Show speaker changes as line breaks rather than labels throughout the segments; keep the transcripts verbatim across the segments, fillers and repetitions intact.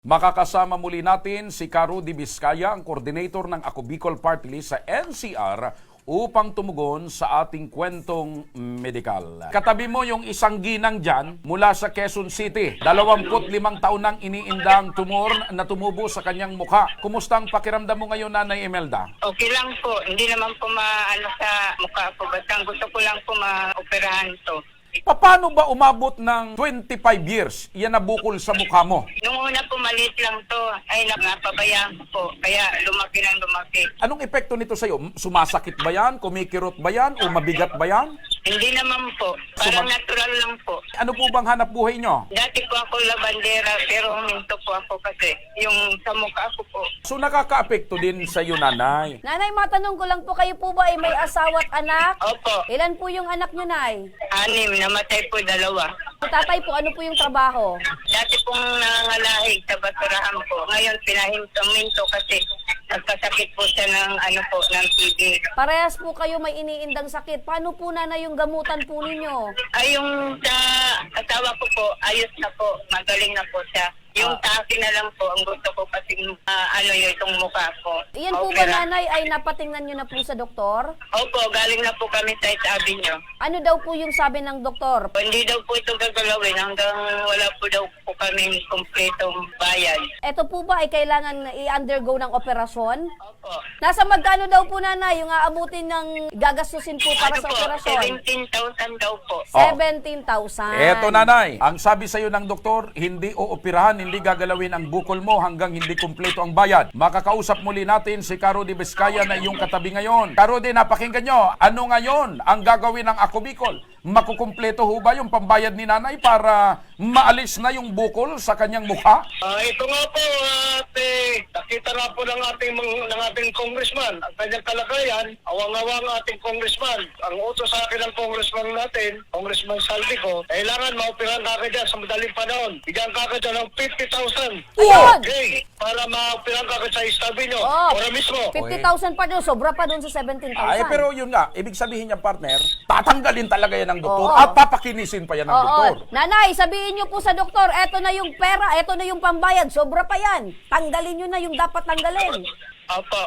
Makakasama muli natin si Caro D. Vizcaya, ang coordinator ng Ako Bicol Party List sa N C R upang tumugon sa ating kwentong medikal. Katabi mo yung isang ginang dyan mula sa Quezon City. Dalawamput limang taon nang iniindang tumor na tumubo sa kanyang mukha. Kumusta ang pakiramdam mo ngayon, Nanay Imelda?
Okay lang po. Hindi naman po maano sa mukha ko. Basta gusto ko lang po ma-operahan to.
Paano ba umabot ng twenty-five years yan nabukol sa mukha mo?
Nung una po maliit lang to. Ay, napabayaan ko po. Kaya lumaki ng lumaki.
Anong epekto nito sa'yo? Sumasakit ba yan? Kumikirot ba yan? O mabigat ba yan?
Hindi naman po. Parang
Suma-
natural lang po.
Ano po bang hanap buhay nyo?
Dati po ako labandera pero huminto po ako kasi yung sa mukha ko po.
So nakaka-apekto din sa iyo, Nanay.
Nanay, matanong ko lang po, kayo po ba ay may asawa at anak?
Opo.
Ilan po yung anak nyo, Nay?
Anim. Namatay po dalawa.
Tatay po, ano po yung trabaho?
Dati pong nangangalahig sa basurahan po. Ngayon pinahinto kasi nagkasakit po siya ng ano po, ng T B.
Parehas po kayo may iniindang sakit. Paano po, Nanay, yung gamutan po ninyo?
Ay, yung sa asawa ko po, ayos na po. Magaling na po siya. Yung sa akin na lang po, ang gusto ko kasi uh, ano yun, itong mukha ko.
Iyan po ba,
Opera.
Nanay, ay napatingnan nyo na po sa doktor?
Opo, galing na po kami sa isabi niyo.
Ano daw po yung sabi ng doktor?
Hindi daw po ito gagalawin hanggang wala po daw po kami kumpletong bayad.
Ito po ba ay kailangan i-undergo ng operasyon?
Opo.
Nasa magkano daw po, Nanay, yung aabutin ng gagastusin po para
Ano
sa
po,
operasyon?
seventeen thousand daw po.
seventeen thousand.
Eto, Nanay, ang sabi sa iyo ng doktor, hindi ooperahan, hindi gagalawin ang bukol mo hanggang hindi kumpleto ang bayad. Makakausap muli natin si Caro D. Vizcaya na iyong katabi ngayon. Caro D, napakinggan nyo, ano ngayon ang gagawin ng Ako Bicol? Makukumpleto ho ba yung pambayad ni Nanay para maalis na yung bukol sa kanyang mukha?
Ah, ito nga po, ate, nakita na po ng ating, mga- ng ating congressman ang kanyang kalagayan. Awang-awang ang ating congressman. Ang utos sa akin ng congressman natin, Congressman Saldico, kailangan maoperahan kagad dyan sa madaling panahon. Bigyan kagad dyan ng fifty thousand.
Ayun!
Okay, para maoperahan kagad sa istabi nyo.
Oh.
Ora mismo.
fifty thousand pa doon, sobra pa doon sa seventeen thousand.
Ay, pero yun nga, ibig sabihin niya, partner, tatanggalin talaga yan ng doktor
Oo.
at papakinisin pa yan ng doktor.
Oo. Nanay, sabihin niyo po sa doktor, eto na yung pera, eto na yung pambayad, sobra pa yan. Tanggalin niyo na yung dapat tanggalin.
Opo.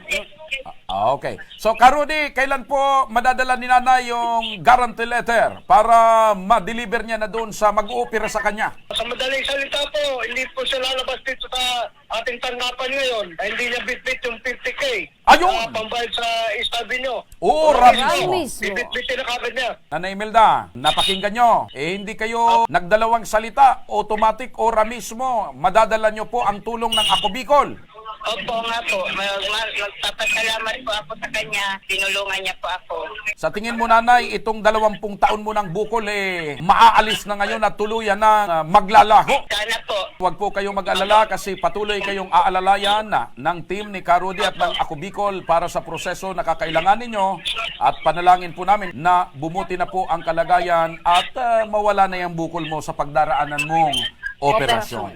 Ah, okay. So, Karudi, kailan po madadala ni Nanay yung guarantee letter para ma-deliver niya na doon sa mag-uupira sa kanya?
Sa madaling salita po, hindi po siya lalabas dito sa ating tanggapan ngayon. Ay, hindi niya bit-bit yung fifty K.
Ayun!
Na pambayad sa istabi nyo.
Oo,
Ora
rami
Ay,
mo.
mismo.
Bit-bitin na kagad niya.
Nanay Imelda, napakinggan nyo. Eh, hindi kayo nagdalawang salita, automatic ora mismo. Madadala nyo po ang tulong ng Ako Bicol.
Opo nga po. Mag- mag- Magpapasalamat po ako sa kanya. Tinulungan niya po ako.
Sa tingin mo, Nanay, itong dalawampung taon mo ng bukol, eh, maaalis na ngayon at tuluyan na ah, maglalaho.
Sana po.
Huwag po kayong mag-alala kasi patuloy kayong aalalayan na ng team ni Karudi at ng Ako Bicol para sa proseso na kakailangan ninyo at panalangin po namin na bumuti na po ang kalagayan at ah, mawala na yung bukol mo sa pagdaraanan mong operasyon.